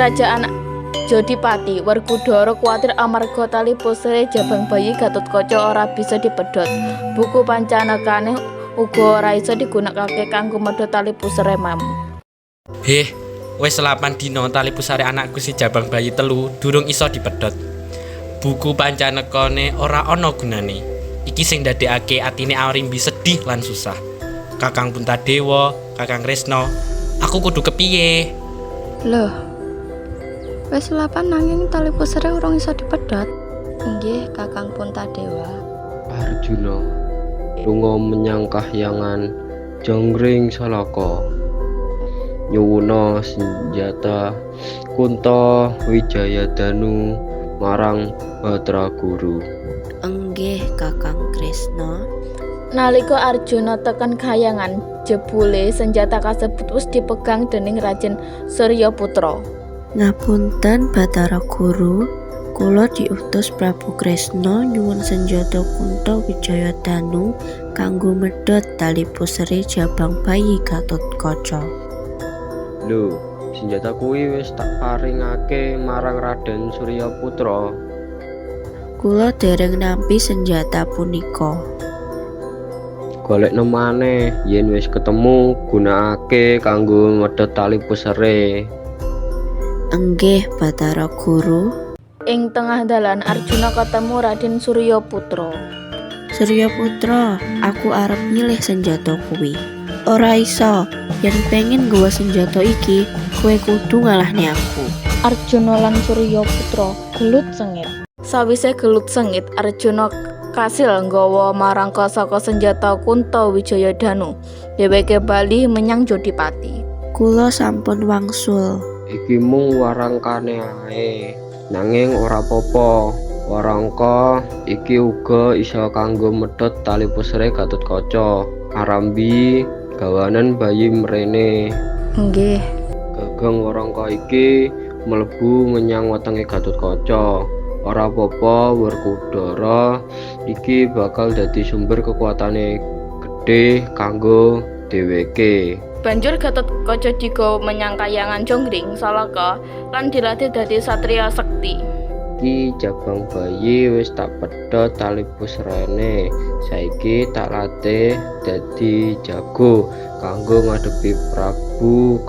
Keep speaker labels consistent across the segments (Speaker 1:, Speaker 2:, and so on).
Speaker 1: kerajaan Jodipati, Werkudara kuwatir amarga tali pusare jabang bayi Gatotkaca ora bisa dipedhot. Buku pancanekane uga ora isa digunakake kanggo medhot tali pusare mam.
Speaker 2: Wis 8 dina tali pusare anakku si jabang bayi telu durung iso dipedhot. Buku pancanekane ora ana gunane. Iki sing ndadekake atine Arimbi sedih lan susah. Kakang Puntadewa, Kakang Kresna, aku kudu kepiye?
Speaker 3: Loh, wis 8 nanging tali pusare urung iso dipedhot. Nggih, Kakang Puntadewa.
Speaker 4: Arjuna lunga menyang kahyangan Jonggring Salaka. Nyuwuna senjata Kunto Wijayadanu marang Batraguru.
Speaker 5: Enggih, Kakang Kresna.
Speaker 1: Nalika Arjuna tekan kahyangan, jebule senjata kasebut wis dipegang dening Raden Suryaputra.
Speaker 5: Ngapunten Bathara Guru, kula diutus Prabu Kresna nyuwun senjata Kunto Wijayadanu kanggo medhot tali pusare jabang bayi Gatotkaca.
Speaker 4: Lho, senjata kuwi wis tak paringake marang Raden Suryaputra.
Speaker 5: Kula dereng nampi senjata punika.
Speaker 4: Golekno maneh, yen wis ketemu gunakake kanggo medhot tali pusare.
Speaker 5: Enggih, Bathara Guru.
Speaker 1: Ing tengah dalan Arjuna ketemu Raden Suryaputra.
Speaker 5: Suryaputra, aku arep milih senjata kuwi. Ora iso, yen pengen nggawa senjata iki, kowe kudu ngalahne aku.
Speaker 1: Arjuna lan Suryaputra gelut sengit. Sawise gelut sengit, Arjuna kasil nggawa marangka saka senjata Kunto Wijayadanu. Dheweke bali menyang Jodipati.
Speaker 5: Kula sampun wangsul.
Speaker 4: Iki mung warangkane ae, nanging ora apa-apa. Warangka iki uga isa kanggo medhot tali pusare Gatotkaca. Arambi gawanen bayi mrene.
Speaker 3: Nggih.
Speaker 4: Gagang warangka iki mlebu menyang wetenge Gatotkaca. Ora apa-apa, Werkudara iki bakal dadi sumber kekuatane gedhe kanggo dheweke.
Speaker 1: Banjur Gatotkaca digawa menyang kahyangan Jonggring Salaka lan dilatih dadi satriya sekti.
Speaker 4: Iki jabang bayi wis tak pedhot tali pusrane. Saiki tak latih dadi jago kanggo ngadepi Prabu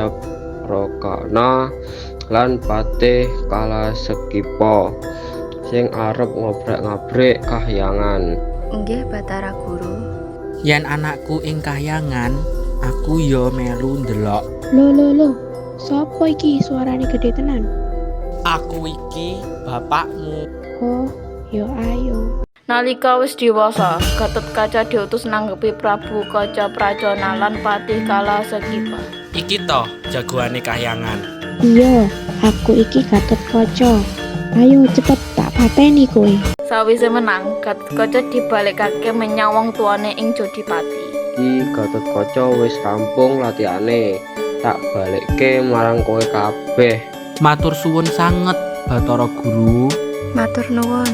Speaker 4: Kacaprokana lan Patih Kalasekipa sing arep ngobrak-ngabrik kahyangan.
Speaker 3: Nggih, Bathara Guru.
Speaker 2: Yen anakku ing kahyangan, aku yo melu ndelok.
Speaker 6: Loh, sapa iki suarane gede tenan?
Speaker 2: Aku iki bapakmu.
Speaker 6: Oh, yo ayo.
Speaker 1: Nalika wis diwasa, Gatotkaca diutus nanggepi Prabu Kacaprajana lan Patih Kalasekipa.
Speaker 2: Iki to jagoane kahyangan.
Speaker 6: Iya, aku iki Gatotkaca. Ayo cepet tak pateni kowe.
Speaker 1: Sawise menang, Gatotkaca dibalekake menyang wong tuane ing Jodipati.
Speaker 4: Iki Gatotkaca wis rampung latihane. Tak balekke marang kowe kabeh.
Speaker 2: Matur suwun sanget, Bathara Guru.
Speaker 3: Matur nuwun.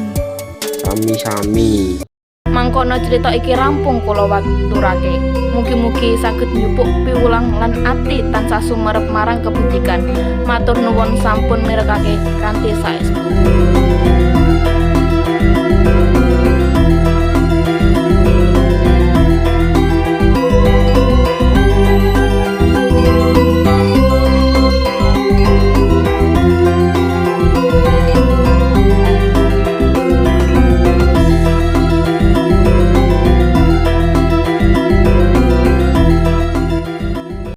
Speaker 4: Sami-sami.
Speaker 1: Mangkono cerita iki rampung kula waturake. Mugi-mugi saged njupuk piwulang lan ati tansah sumerep marang kebutikan. Matur nuwun sampun mirekake kanthi saestu.